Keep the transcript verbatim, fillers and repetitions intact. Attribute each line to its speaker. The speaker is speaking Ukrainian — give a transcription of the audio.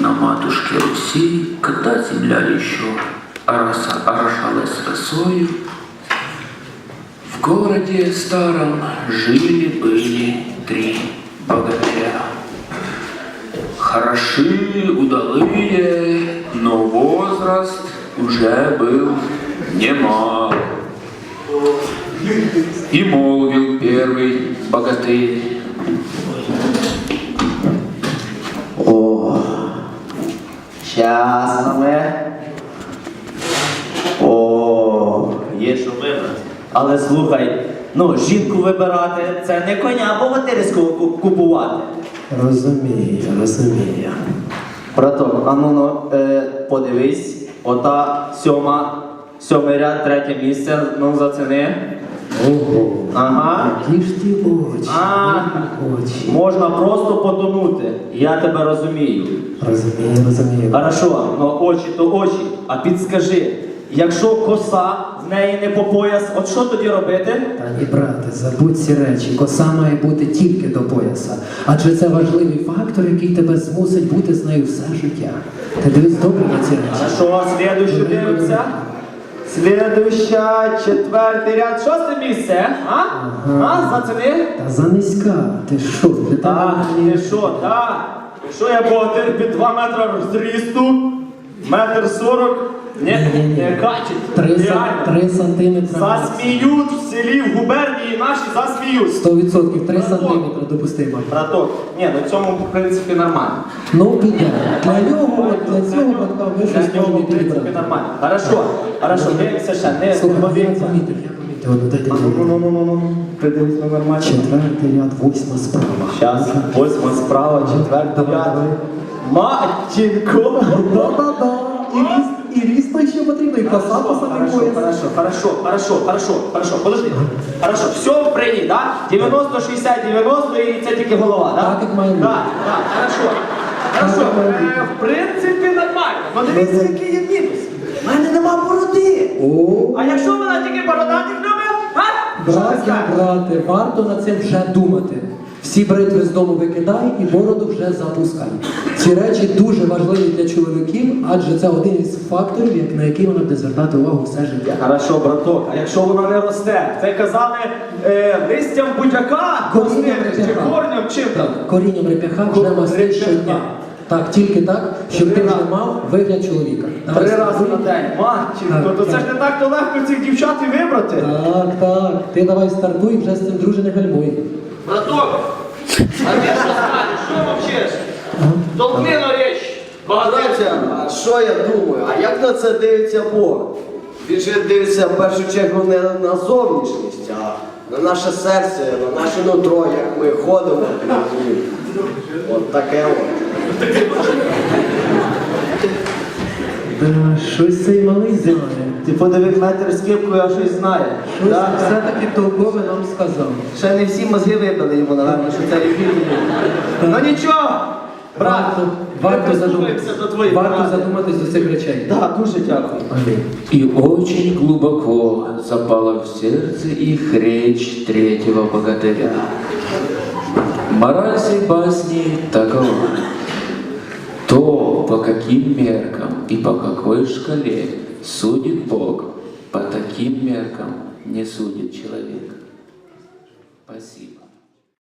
Speaker 1: на матушке Руси, когда земля еще ороса- орошалась росою, в городе старом жили-были три богатыря. Хороши, удалые, но возраст уже был немал. И молвил первый богатырь:
Speaker 2: О, щас ми. О, є що вибрати. Але слухай, ну, жінку вибирати – це не коня богатирського ку- купувати.
Speaker 3: Розумію, розумію.
Speaker 2: Браток, а ну, ну е, подивись, ота сьома, сьомий ряд, третє місце, ну заціни.
Speaker 3: Ого.
Speaker 2: Ага.
Speaker 3: Які ж ті очі,
Speaker 2: А,
Speaker 3: які очі.
Speaker 2: можна просто потонути, я тебе розумію.
Speaker 3: Розумію, розумію.
Speaker 2: Хорошо, ну очі то очі, а підскажи, якщо коса в неї не по пояс, от що тоді робити?
Speaker 3: Та ні, брате, забудь ці речі. Коса має бути тільки до пояса. Адже це важливий фактор, який тебе змусить бути з нею все життя. Ти дивись добре на ці речі.
Speaker 2: Хорошо, слідуючу дивимося. Слідуюча, четвертий ряд, шосте місце, а?
Speaker 3: Ага.
Speaker 2: А, заціни?
Speaker 3: Та занизька. Ти що? Ти
Speaker 2: Так,
Speaker 3: там
Speaker 2: ти що, так? Що я богатир під два метри зрісту, метр сорок, не,
Speaker 3: Ні-ні-ні.
Speaker 2: не качить,
Speaker 3: Три, сан-
Speaker 2: реально.
Speaker 3: три сантиметри.
Speaker 2: Засміють в селі, в губернії наші засміють.
Speaker 3: Сто відсотків, три сантиметри допустимо.
Speaker 2: Браток, ні, ну цьому в принципі нормально.
Speaker 3: Ну, піде. Для нього, от для цього батька ви щось
Speaker 2: Для нього,
Speaker 3: можете
Speaker 2: в принципі,
Speaker 3: підібрати.
Speaker 2: нормально. Хорошо, хорошо, дивимося ще, не
Speaker 3: Слухай, я
Speaker 2: подивимося.
Speaker 3: помітив, я помітив. От, дайте
Speaker 2: Ну, ну,
Speaker 3: мені.
Speaker 2: ну, ну, ну, придивись на нормально.
Speaker 3: Четвертий ряд, восьма справа.
Speaker 2: Щас, восьма справа, четвертий ряд. Матінко!
Speaker 3: Да-да-да. І ріст, і ріст той ще потрібно, і коса по самий
Speaker 2: Хорошо,
Speaker 3: пояс.
Speaker 2: хорошо, хорошо, хорошо, хорошо, хорошо, подожди. Хорошо, все прийняли, да? дев'яносто, шістдесят, дев'яносто і це тільки голова, да?
Speaker 3: Так, як має бути.
Speaker 2: Так, так, хорошо. Хорошо,
Speaker 3: як має бути.
Speaker 2: е, в принципі нормально. Ну дивіться, який є мінус. У мене нема бороди.
Speaker 3: О,
Speaker 2: А якщо вона тільки бородатих любить, а? Що ти
Speaker 3: браття,
Speaker 2: скажеш?
Speaker 3: брате, варто над цим вже думати. Всі бритви з дому викидай і бороду вже запускай. Ці речі дуже важливі для чоловіків, адже це один із факторів, як- на який вона буде звертати увагу все життя.
Speaker 2: Хорошо, браток, а якщо вона не росте? Це казали е, листям будь-яка,
Speaker 3: Корінням
Speaker 2: рости, чи
Speaker 3: реп'яха.
Speaker 2: корнем, чим там?
Speaker 3: Так, корінням реп'яха вже
Speaker 2: Ко-
Speaker 3: масти
Speaker 2: реп'яха.
Speaker 3: щодня. Так, тільки так, щоб
Speaker 2: Три
Speaker 3: ти вже
Speaker 2: рази.
Speaker 3: мав вигляд чоловіка. Давай
Speaker 2: Три
Speaker 3: стартуй.
Speaker 2: рази на день. Матінко,
Speaker 3: Так,
Speaker 2: то це
Speaker 3: так.
Speaker 2: ж не так-то легко цих дівчат і вибрати.
Speaker 3: Так, так. Ти давай стартуй, вже з цим друже не гальмуй.
Speaker 2: Браток, а ти що скажеш? Що мовчиш? Толкни на річ.
Speaker 4: Братя, а що я думаю? А як на це дивиться Бог? Він же дивиться в першу чергу не на зовнішність, а на наше серце, на наше нутро, як ми ходимо. От таке от.
Speaker 3: Да, щось цей малий знає.
Speaker 2: Ти подивив метр з кепкою, а щось знає.
Speaker 3: Щось
Speaker 2: Да?
Speaker 3: все-таки толкове нам сказав.
Speaker 2: Ще не всі мозги вибили йому, напевно, що це рефіль. Ну нічого, брат,
Speaker 3: Варто,
Speaker 2: ми
Speaker 3: варто,
Speaker 2: прислухаємося
Speaker 3: задуматись,
Speaker 2: до твоїх
Speaker 3: варто
Speaker 2: порад.
Speaker 3: задуматись до цих речей.
Speaker 2: Так, дуже дякую.
Speaker 3: Амінь.
Speaker 1: И очень глубоко запала в сердце их речь третьего богатыря. Мораль сей басни такова: то, по каким меркам и по какой шкале судит Бог, по таким меркам не судит человек. Спасибо.